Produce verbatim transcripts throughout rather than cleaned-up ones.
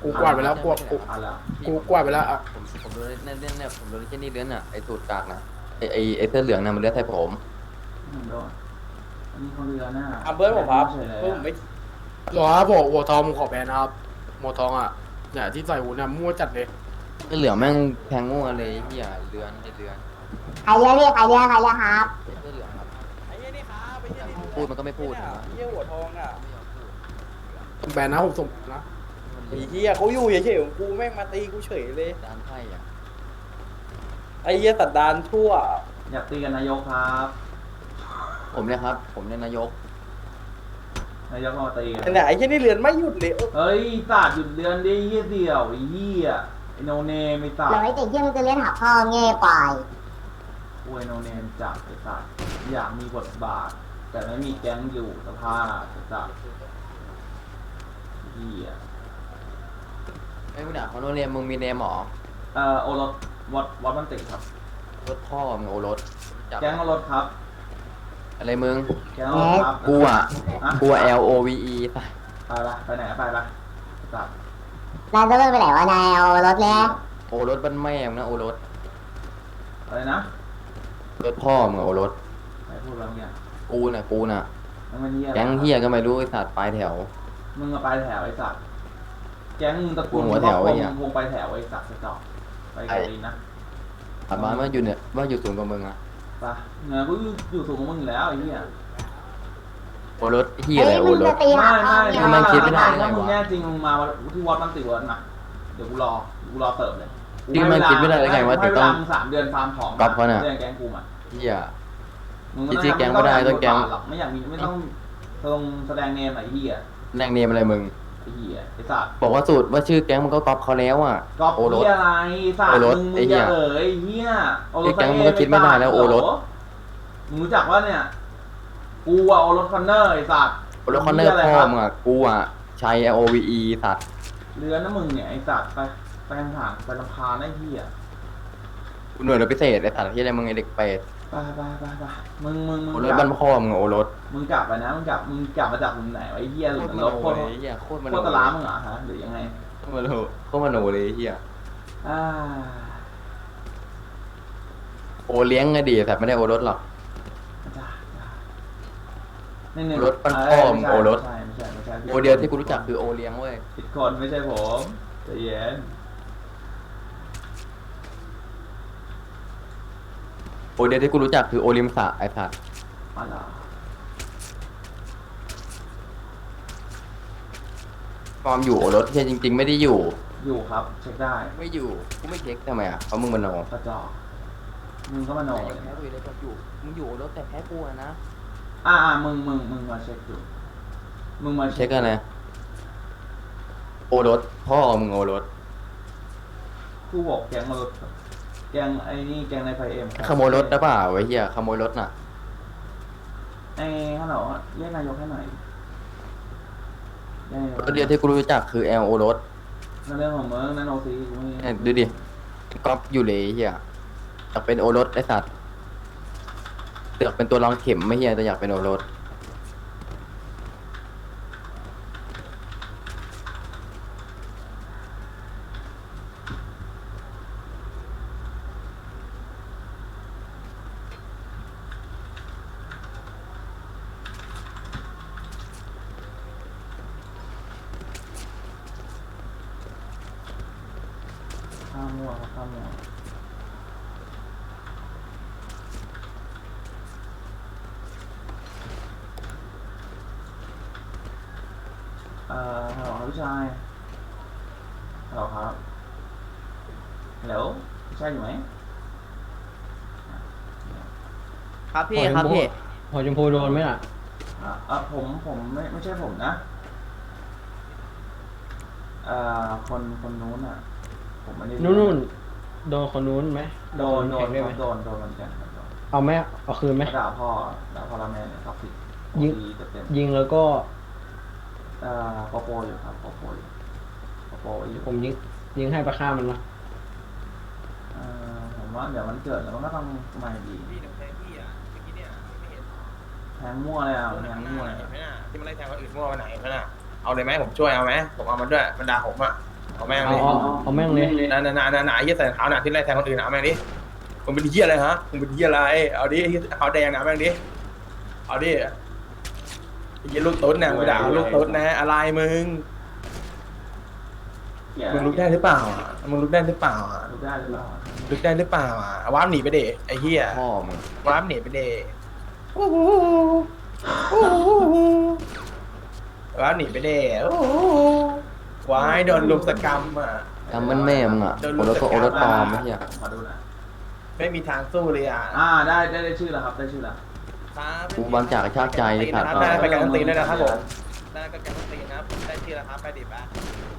กูกวาดไปแล้วกูกูอ่ะแล้วกูกวาดไปแล้วอ่ะผมผมโดนเนี่ยเนี่ยเนี่ยผมโดนแค่นี้เลื้อนอ่ะไอ้สูตรกากนะไอ้ไอ้ไอ้เสื้อเหลืองน่ะมันเลื้อนใส่ผมหนึ่งโดนอันนี้เขาเรือหน้าอ่ะเบิร์ดผมครับเฉยเลยเบิร์ดผมไม่หรอครับผมหัวทองผมขอแบนนะครับหัวทองอ่ะเนี่ยที่ใส่หูเนี่ยมั่วจัดเลยเสื้อเหลืองแม่งแทงมั่วเลยไอ้เหี้ยเลื้อนไอ้เลื้อนใครเรียกพี่ใครเรียกใครเรียกครับเสื้อเหลืองครับไอ้เหี้ยนี่ครับไอ้เหี้ยนี่พูดมันก็ไม่พูดไอ้นะเหี้ยหัวทองอ่ะแบนนะผมส่งนะไอ้เหี้ยเขาอยู่เฉยๆของกูแม่งมาตีกูเฉยเลยด้านไพ่อ่ะไอ้เหี้ยตัดดานทั่วอยากตีกันนายกครับผมเนี่ยครับ ผมเนี่ยนายกนายกมาตีกันแต่เนี่ยไอ้เหี้ยนี่เรือนไม่หยุดเลยเออเฮ้ยศาสตร์หยุดเดือนดิเฮียเดี่ยวไอ้เฮียไอโนเนมไอศาสตเราร์ไอ้เด็กเยี่ยมงจะเรียนหาพ่อเง่ควายอวยโนเนมจับไอศาสตร์อยากมีบทบาท แต่ไม่มีแก๊งอยู่สภาพไอศาสตร์เฮียไอ้มึงด่าเขาโนเรียนมึงมีเนมหรอเอ่อโอรสวัดวัดมันติครับรถพ่อมึงโอรถจับแก๊งโอรสครับอะไรมึงแก๊งโอรสครับกูอ่ะอ่ะกูอะ L O V E ไปไปละไปไหนไปละไอ้สัตว์นายจะเลิกไปไหนวะนายเอารถแล้วโอรถบ้านแม่มึงนะโอรถอะไรนะรถพ่อมึงอะโอรถใครพูดอะไรเมื่อกี้กูน่ะกูน่ะมันเป็นเฮียอะไรแก๊งเฮียก็ไม่รู้ไอ้สัตว์ปลายแถวมึงมาไปแถวไอสัตว์แก๊งมึงตะกูลหัวแถวไอ้ไอ้เหี้ยวงไปแถวไอสัตว์กระจอกไปกับดีนะถามมาว่าอยู่เนี่ยว่าอยู่สูงกว่ามึงอะไปเงินกูอยู่สูงกว่ามึงอยู่แล้วไอ้เหี้ยโอรถเฮียอะไรเฮ้ยโอมึงรจะถตีหาไม่พ่อไม่เง่ทำไมคิดไม่ได้ถ้ามึงแน่จริงมึงมาที่วัดมันติเวิร์ดนะเดี๋ยวกูรอกูรอเสิร์ฟเลยที่มันคิดไม่ได้เลยไงว่าให้จะเวต้อลาง มึงสามเดือนฟาร์มของก๊อปเขาน่ะเรื่องแก๊งกูมาเฮียมึงจริงๆแก๊งไม่ได้ต้องแก๊งหรอกไม่อยากมีไม่ต้องลงแสดงเนมไอ้เหี้ยแรงเนมอะไรมึงไอ้เหี้ยไอ้สัตว์บอกว่าสูตรว่าชื่อแก๊งมึงก็ก๊อปเขาแล้วอ่ะก๊อปโอรสเหี้ยอะไรสัตโอว์รสมึงมึไอ้งเหี้อย ย่าเอ๋ยไอ้เหี้ยโอรสไอ้แก๊งมึงก็คิดไม่ได้แล้วโอรสมึงรู้จักว่าเนี่ยกูอะโอรสคอนเนอร์ไอ้สัตว์โอรถคอนเนอร์พ่อมึงอ่ะกูอ่ะชัย L O V E สัตว์เรือนะมึงเนี่ยไอ้สัตว์ไปไปห่างๆไปลำพานไอ้เหี้ยกูหน่วยรถพิเศษไอ้สัตว์ที่อะไรมึงไอเด็กเป็ดไปไปไปไปมึงมึงมึงโอรกถลับ้าบนพ่อมึงอะโอรถมึงกลับไปนะมึงกลับมึงกลับมาจากมุมไหนวะไอ้เหี้ยหรือรถโคตรเลยเฮียโคตรมโคโนตรตะล้ามึงเหรอฮะหรือยังไงโคตรมโนโคตรมโนเลยเฮียอ่าโอเลี้ยงไงดีแต่ไม่ได้โอรถหรอกจ้าจ้านี่นี่รถปั้นพ่อมึงโอรสใช่ไม่ใช่ไม่ใช่โอเดียวที่กูรู้จักคือโอเลี้ยงเว้ยผิดคนไม่ใช่ผมใจเย็นโอเดียวที่กูรู้จักคือโอลิมสะไอ้สัตว์มาละความอยู่โอรถเฮียจริง ๆ ไม่ได้อยู่อยู่ครับเช็คได้ไม่อยู่กูไม่เช็คทำไมอ่ะเพราะมึงมโนกระจอกมึงก็มาโนแต่เลยแพ้กูเลยก็อยู่มึงอยู่โอรถแต่แพ้กูอะนะอ่าอ่ามึงมึงมึงมาเช็คดูมึงมาเช็คกันนะโอรถพ่อมึงโอรถกูบอกแกงมารถแกงไอ้นี่แกงในไฟเอ็มขโมยรถได้เปล่าไอ้เหี้ยขโมยรถน่ะไอ้ฮัลโหลเรียกนายกให้หน่อยเรียกนายกรถเดียวที่กูรู้จักคือ L โอรถนั่นเรื่องของมึงนั่นโอซีกูไม่เนี่ยดูดิก๊อปอยู่เลยไอ้เหี้ยอยากเป็นโอรสไอ้สัตว์อยากเป็นตัวรองเข็มไม่เหี้ยแต่อยากเป็นโอรสข้ามมั่วครับข้ามมั่วเอ่อฮัลโหลครับพี่ชายฮัลโหลครับฮัลโหลพี่ชายอยู่ไหมครับพี่ครับพี่หัวชมพูโดนไหมล่ะอ่ะอ่ะผมผมไม่ไม่ใช่ผมนะเอ่อคนคนนู้นอ่ะ ผมไม่ได้นู่นนู่นโดนคนนู้นไหมโดนโดนแข่งได้ไหมโดนโดนเหมือนกันครับโดนเอาไหมเอาคืนไหมด่าพ่อด่าพ่อละแม่เนี่ยท็อกซิกยิงเต็มเต็มยิงแล้วก็เอ่อปอโปอยู่ครับปอโปอยู่ปอโปอยู่ผมยิงยิงให้ประฆ่ามันนะเอ่อผมว่าเดี๋ยวมันเกิดแล้วมันก็ต้องใหม่ดีพี่หนูแทงพี่อ่ะเมื่อกี้เนี่ยไม่เห็นแทงมั่วเลยอ่ะแทงมั่วเลยเห็นไหมน่ะที่มันไล่แทงคนอื่นมั่วไปไหนเห็นไหมน่ะเอาเลยไหมผมช่วยเอาไหมผมเอามันด้วยมันด่าผมอ่ะอเอาแม่งเอาเลยเอาเอาแม่งเลยนานานานานาเหี้ยใส่รองเท้าหนักที่ไรแทงคนอื่นเอาแม่งดิมึงเป็นเหี้ยอะไรฮะมึงเป็นเหี้ยอะไรเอาดิเขาแดงนะเอาแม่งดิเอาดิไอ้เหี้ยลูกตุ๊ดเนี่ยมึงด่าลูกตุ๊ดนะอะไรมึงเหี้ยมึงลุกได้หรือเปล่าอ่ะมึงลุกได้หรือเปล่าอ่ะลุกได้หรือเปล่าลุกได้หรือเปล่าอ่ะว้ามหนีไปเดะไอ้เหี้ยพ่อมึงว้ามหนีไปเดะว้ามหนีไปเดะว้ายโดนลุมสกรรมอ่ะทำมันแม่มึงอ่ะโอรสก็โอรสปลอมไม่เฮียขอดูหน่อยไม่มีทางสู้เลยอ่ะอ่าได้ได้ได้ชื่อแล้วครับได้ชื่อแล้วครับกูบางจากกระชากใจไอ้สัตว์ได้ไปการันตีด้วยนะครับผมได้ก็การันตีนะครับได้ชื่อแล้วครับไปดิบ้า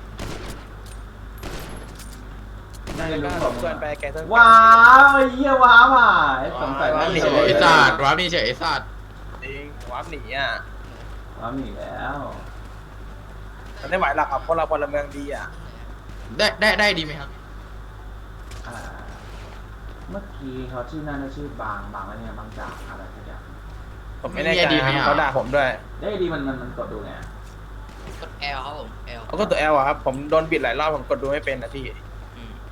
ได้แล้วรู้ก็ผมเพื่อนไปแกต้องว้าวไอ้เหี้ยว้าวอ่ะไอ้สงสัยว้าวไม่เฉเฉยยไอ้ไอ้สัสัตตว์ว์ว้าวนี่เฉยไอ้สัตว์จริงว้ามหนีอ่ะว้าวหนีแล้วมันไม่ไหวหรอกครับเพราะเราพลเมืองดีอ่ะได้ได้ได้ดีไหมครับอ่าเมื่อกี้เขาชื่อนั่นน่ะชื่อบางบางอะไรเนี่ยบางจากอะไรสักอย่างผมไม่แน่ใจดีไหมอ่ะเขาด่าผมด้วยได้ดีมันมันมันกดดูไงกด L ครับผม L เขาก็ตัวแอลอะครับผมโดนบิดหลายรอบผมกดดูไม่เป็นนะพี่อืม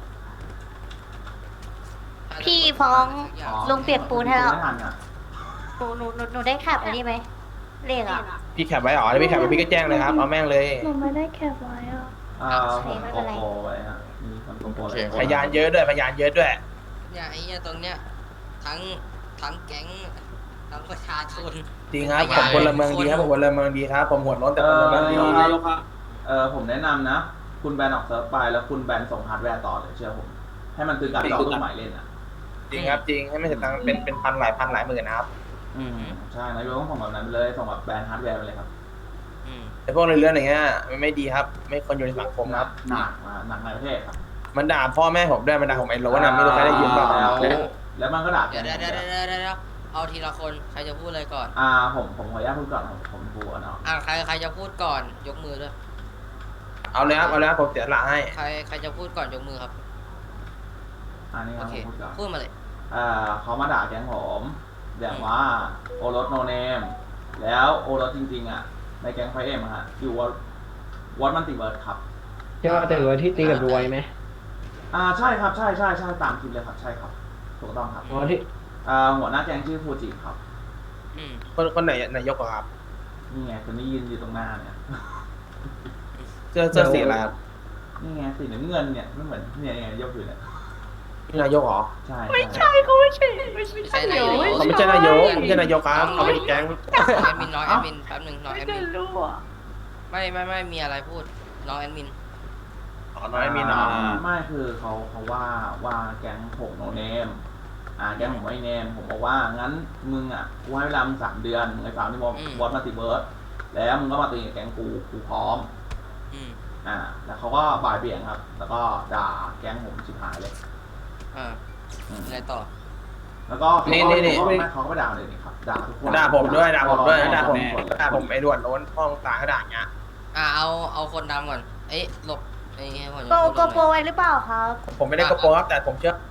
พี่ฟ้องอ๋อลุงเปลี่ยนปูนให้แล้วไม่ทันอ่ะหนูหนูหนูหนูได้แคปอันนี้ไหมเลขอ่ะพี่แคปไว้เหรอถ้าพี่แคปไว้พี่ก็แจ้งเลยครับเอาแม่งเลยหนูไม่ได้แคปไว้อ่ะอ่าโอเคผมไม่โกเป็นไรโปรไว้ฮะมีคนโกโปรโอเคไว้พยานเยอะด้วยพยานเยอะด้วยเนี่ยไอ้เนี่ยตรงเนี้ยทั้งทั้งแก๊งทั้งประชาชนจริงครับพผยานมพลเมืองดีครับผมพลเมืองดีครับผมหัวร้อนแต่เอพลอเมืองดีเออผมแนะนำนะ คุณแบนออกเซิร์ฟไปแล้วคุณแบนส่งฮาร์ดแวร์ต่อเลยเชื่อผม ให้มันคือการจองลูกใหม่เล่นอ่ะจริงครับจริงให้ไม่เสียตังค์เป็นเป็นพันหลายพันหลายหมื่นนะครับอืมใช่นายกต้องส่งแบบนั้นเลยส่งแบบแบนฮาร์ดแวร์ไปเลยครับอืมแต่พวกเรื่องอย่างเงี้ยมันไม่ดีครับ ไม่ควรอยู่ในสังคมครับหนักอ่าหนักในประเทศครับมันด่าพ่อแม่ผมด้วยมันด่าผมไอ้โหลนะไม่รู้ใครได้ยินเปล่าแล้วแล้วมันก็ด่าเดี๋ยวเดี๋ยวเดี๋ยวเดี๋ยวเดี๋ยวเดี๋ยวเอาทีละคนใครจะพูดอะไรก่อนอ่าผมผมขออนุญาตพูดก่อนผมผมพูดก่อนเนาะอ่าใครใครจะพูดก่อนยกมือด้วยเอาเลยครับเอาเลยครับผมเสียหลักให้ใครใครจะพูดก่อนยกมือครับอันนี้คโอรับเคผมพูดก่อนพูดมาเลยอ่าเขามาด่าแก๊งผมแบบว่าโอรสโนเนมแล้วโอรสจริงๆอ่ะในแก๊งไฟเอ็มอะฮะอยู่วอวอตมันติเวิร์ดครับใช่ว่าแต่ว่าที่ตีกับรวยไหมอ่าใช่ครับใช่ใช่ใช่ตามคลิปเลยครับใช่ครับถูกต้องครับอ๋อที่อ่าหัวหน้าแก๊งชื่อฟูจิครับอืมคนคนไหนนายกอะครับนี่ไงคนนี้ยืนอยู่ตรงหน้าเนี่ยเสื้อเสื้อสีอะไรครับนี่ไงสีน้ำเงินเนี่ยไม่เหมือนเนี่ยไงยกอยู่เนี่ยนี่นายกเหรอใช่ไม่ใช่เขาไม่ใช่ไม่ใช่ใช่นายกเขาไม่ใช่นายกไม่ใช่นายกครับเขาเป็นแก๊งแอดมินน้องแอดมินแป๊บหนึงน้องแอดมินรู้อ่ะไม่ไม่ไม่มีอะไรพูดน้องแอดมินอ๋อน้อยมีน้องไม่คือเขาเขาว่าว่าแก๊งผมโนเนมอ่าแก๊งผมไม่เนมผมบอกว่างั้นมึงอ่ะกูให้เวลามึงสามเดือนมึงไอ้สามที่วออืมวอตมาติเวิร์ดแล้วมึงก็มาตีกับแก๊งกูกูพร้อมอืมอ่าแล้วเขาก็บ่ายเบี่ยงครับ แล้วก็ด่าแก๊งผมชิบหายเลยอ่าอืมอะไรต่อแล้วก็เขาก็เขาก็เขาก็ไปด่าเลยนี่ครับด่าทุกคนด่าผมด้วยด่าผมด้วยด่าผมด่าด่าผมไอ้ด่วนโน้นห้องตาเขาด่าเงี้ยอ่าเอาเอาคนดำก่อนเอ้ยหลบไอ้ให้ผมโกจะพูดโกโปรไว้หรือเปล่าครับผมไม่ได้กระโปรงครับแต่ผมเชื่อ